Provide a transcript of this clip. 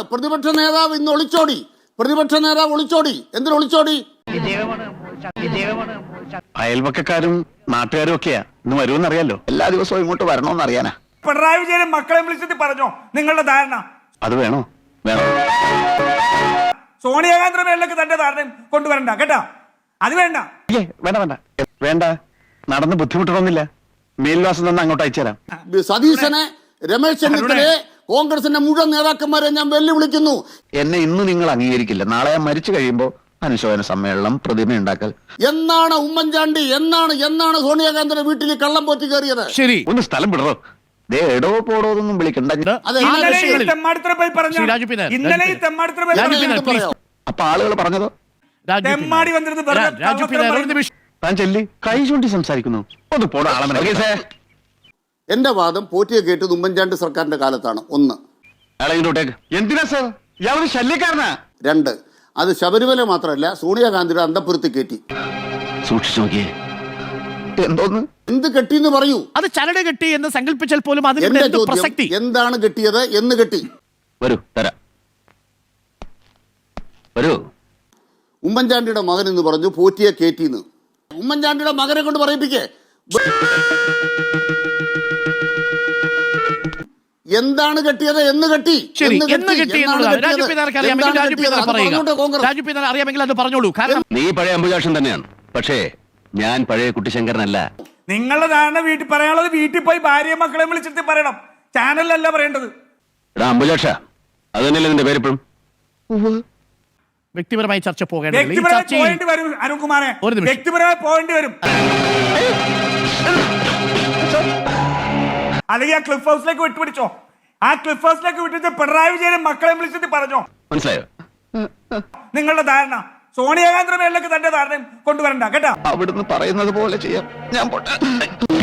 പ്രതിപക്ഷ നേതാവ് ഇന്ന് ഒളിച്ചോടി. പ്രതിപക്ഷ നേതാവ് ഒളിച്ചോടി. എന്തിനു ഒളിച്ചോടി? അയൽവക്കക്കാരും നാട്ടുകാരും ഒക്കെയാ ഇന്ന് വരുമെന്ന് അറിയാലോ. എല്ലാ ദിവസവും ഇങ്ങോട്ട് വരണമെന്ന് അറിയാനാ. പിണറായി വിജയൻ മക്കളെ വിളിച്ചിട്ട് പറഞ്ഞോ നിങ്ങളുടെ ധാരണ? അത് വേണോ? വേണം. സോണിയാഗാന്ധി മേളിലേക്ക് തന്റെ ധാരണ കൊണ്ടുവരണ്ട കേട്ടാ. അത് വേണ്ട. വേണ്ട വേണ്ട വേണ്ട. നടന്ന് ബുദ്ധിമുട്ടണമെന്നില്ല. മേൽവാസം തന്നെ അങ്ങോട്ട് അയച്ചുതരാം. സതീശനെ, രമേശ് ചെന്നിത്തലയെ, കോൺഗ്രസിന്റെ മുഴുവൻ നേതാക്കന്മാരെ ഞാൻ വെല്ലുവിളിക്കുന്നു. എന്നെ ഇന്ന് നിങ്ങൾ അംഗീകരിക്കില്ല. നാളെ ഞാൻ മരിച്ചു കഴിയുമ്പോ അനുശോചന സമ്മേളനം, പ്രതിമ ഉണ്ടാക്കൽ. എന്നാണ് ഉമ്മൻചാണ്ടി, എന്നാണ് സോണിയാഗാന്ധിയുടെ വീട്ടിൽ കള്ളം പോറ്റി കയറിയത്? ശരി, ഒന്ന് സ്ഥലം വിടറോ. ദേ എടോ പോടോതൊന്നും വിളിക്കണ്ട. അപ്പൊ ആളുകൾ പറഞ്ഞതോ? താൻ ചെല്ലി കൈ ചൂണ്ടി സംസാരിക്കുന്നു. ഒന്ന് പോടാ ആളെ. എന്റെ വാദം പോറ്റിയെ കേട്ടത് ഉമ്മൻചാണ്ടി സർക്കാരിന്റെ കാലത്താണ്. ഒന്ന്. എന്തിനാ സാർ ഇയാളൊരു ശല്യക്കാരനാ? രണ്ട്, അത് ശബരിമല മാത്രമല്ല സോണിയാഗാന്ധിയുടെ അന്തഃപുരത്തിൽ കെട്ടി. സൂക്ഷിച്ചു നോക്കിയേ. എന്തോന്ന്? എന്ത് കെട്ടിന്ന് പറയൂ. അത് ചരട് കെട്ടി എന്ന് സങ്കല്പിച്ചാൽ പോലും എന്റെ ചോദ്യം, എന്താണ് കെട്ടിയത്? എന്ന് കെട്ടി? വരൂ തരാം. വരൂ. ഉമ്മൻചാണ്ടിയുടെ മകൻ എന്ന് പറഞ്ഞു പോറ്റിയെ കേറ്റിന്ന്. ഉമ്മൻചാണ്ടിയുടെ മകനെ കൊണ്ട് പറയിപ്പിക്കേ. എന്താണ് കെട്ടിയത്? എന്ന് കെട്ടി. അറിയാമെങ്കിൽ അത് പറഞ്ഞോളൂ. കാരണം നീ പഴയ അംബുജാക്ഷൻ തന്നെയാണ്, പക്ഷേ ഞാൻ പഴയ കുട്ടിശങ്കരനല്ല. നിങ്ങളുടെ ധാരണ വീട്ടിൽ പറയാനുള്ളത് വീട്ടിൽ പോയി ഭാര്യ മക്കളെ വിളിച്ചിട്ട് പറയണം, ചാനലിലല്ല പറയേണ്ടത്. അംബുജാക്ഷ അത് തന്നെയല്ലേ നിന്റെ പേരിപ്പോഴും? വ്യക്തിപരമായി ചർച്ച പോകേണ്ടി വരും അരുൺകുമാറെ, വ്യക്തിപരമായി പോകേണ്ടി വരും. അല്ലെങ്കിൽ ആ ക്ലിഫ് ഹൗസിലേക്ക് വിട്ടുപിടിച്ചോ. ആ ക്ലിഫ് ഹൗസിലേക്ക് വിട്ടിട്ട് പിണറായി വിജയൻ മക്കളെ വിളിച്ചിട്ട് പറഞ്ഞോ. മനസ്സിലായോ? നിങ്ങളുടെ ധാരണ സോണിയാഗാന്ധി മേളിലേക്ക് തന്റെ ധാരണ കൊണ്ടുവരണ്ട കേട്ടാ. അവിടുന്ന് പറയുന്നത് പോലെ ചെയ്യാം. ഞാൻ പോട്ടെ.